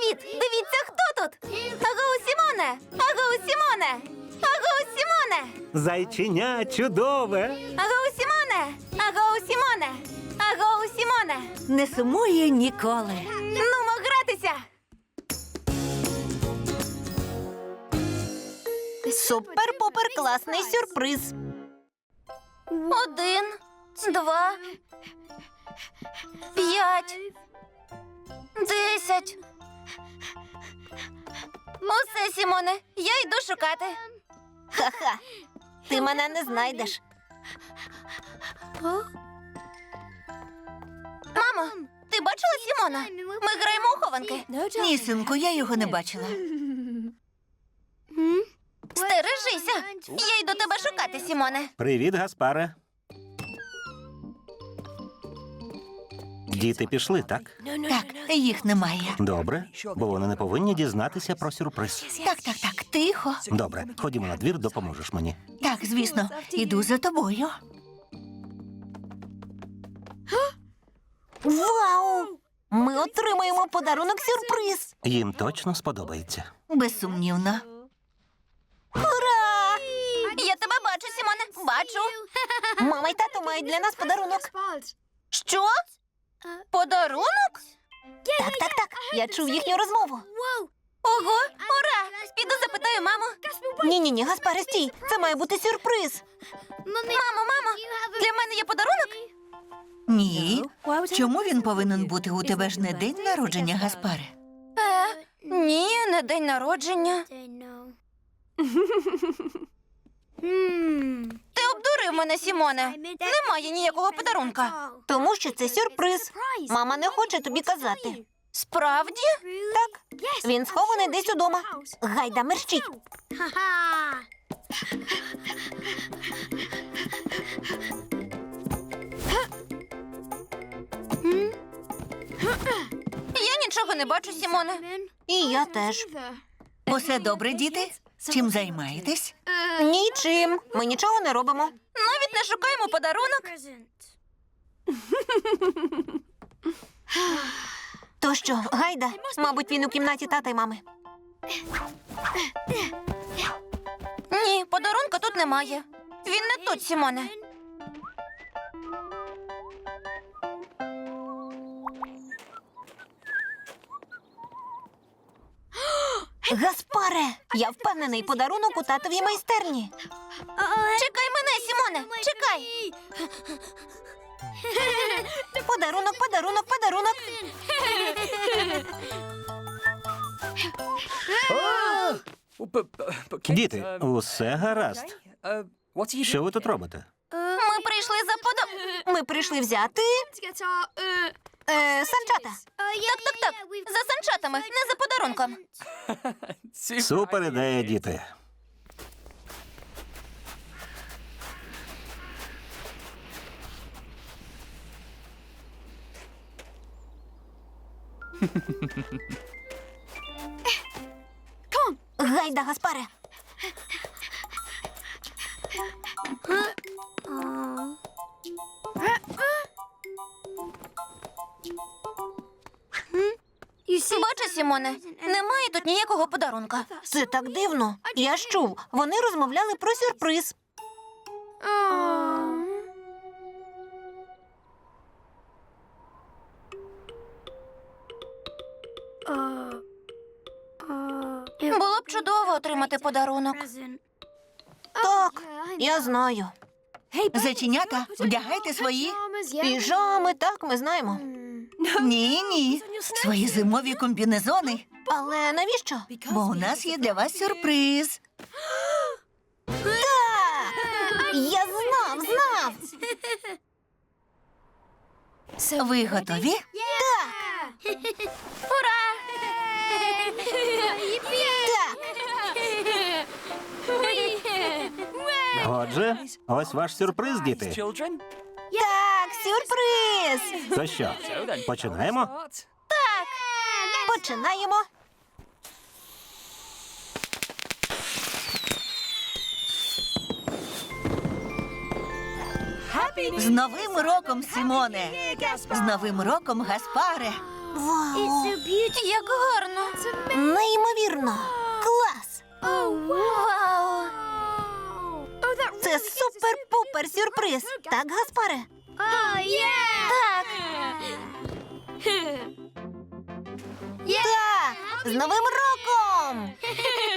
Привіт! Дивіться, хто тут! Агоу, Сімоне! Агоу, Сімоне! Агоу, Сімоне! Зайченя чудове. Агоу, Сімоне! Агоу, Сімоне! Агоу, Сімоне! Не сумує ніколи. Нумо гратися! Супер-пупер класний сюрприз. 1, 2, 5, 10. Усе, Сімоне, я йду шукати. Ха-ха. Ти мене не знайдеш. Мамо, ти бачила Сімона? Ми граємо у хованки. Ні, синку, я його не бачила. Стережися! Я йду тебе шукати, Сімоне. Привіт, Гаспаре. Діти пішли, так? Так, їх немає. Добре, бо вони не повинні дізнатися про сюрприз. Так, тихо. Добре, ходімо на двір, допоможеш мені. Так, звісно, іду за тобою. Вау! Ми отримаємо подарунок-сюрприз. Їм точно сподобається. Безсумнівно. Ура! Я тебе бачу, Сімоне. Бачу. Мама й тато мають для нас подарунок. Що? Подарунок? Так. Я чув їхню розмову. Ого, ура! Піду запитаю маму. Ні, Гаспаре, стій. Це має бути сюрприз. Мамо, для мене є подарунок? Ні. Чому він повинен бути? У тебе ж не день народження, Гаспаре? Ні, не день народження. Ти обдурив мене, Сімоне. Немає ніякого подарунка. Тому що це сюрприз. Мама не хоче тобі казати. Справді? Так, він схований десь удома. Гайда, мерщій. Я нічого не бачу, Сімоне. І я теж. Усе добре, діти? Чим займаєтесь? Е. Нічим. Ми нічого не робимо. Навіть не шукаємо подарунок. То що, гайда? Мабуть, він у кімнаті тата й мами. Ні, подарунка тут немає. Він не тут, Сімоне. Гаспаре, я впевнений, подарунок у татовій майстерні. Чекай мене, Сімоне, чекай. Подарунок. Діти, усе гаразд. Що ви тут робите? Ми прийшли за Ми прийшли взяти санчата. Так. За санчатами, не за подарунком. Супер ідея, діти. Гайда, Гаспаре. Бачиш, Сімоне, немає тут ніякого подарунка. Це так дивно. Я ж чув, вони розмовляли про сюрприз. Було б чудово отримати подарунок. Так, я знаю. Зайченята, вдягайте свої піжами, так, ми знаємо. Ні, свої зимові комбінезони. Але навіщо? Бо у нас є для вас сюрприз. Так! Я знав! Ви готові? Так! Ура! Так! Отже, ось ваш сюрприз, діти. Так, сюрприз! То що, починаємо? Починаємо. З Новим роком, Сімоне! З Новим роком, Гаспаре! Вау! Як гарно! Неймовірно! Клас! Вау! Це супер-пупер сюрприз! Так, Гаспаре? Так! Так! З Новим роком!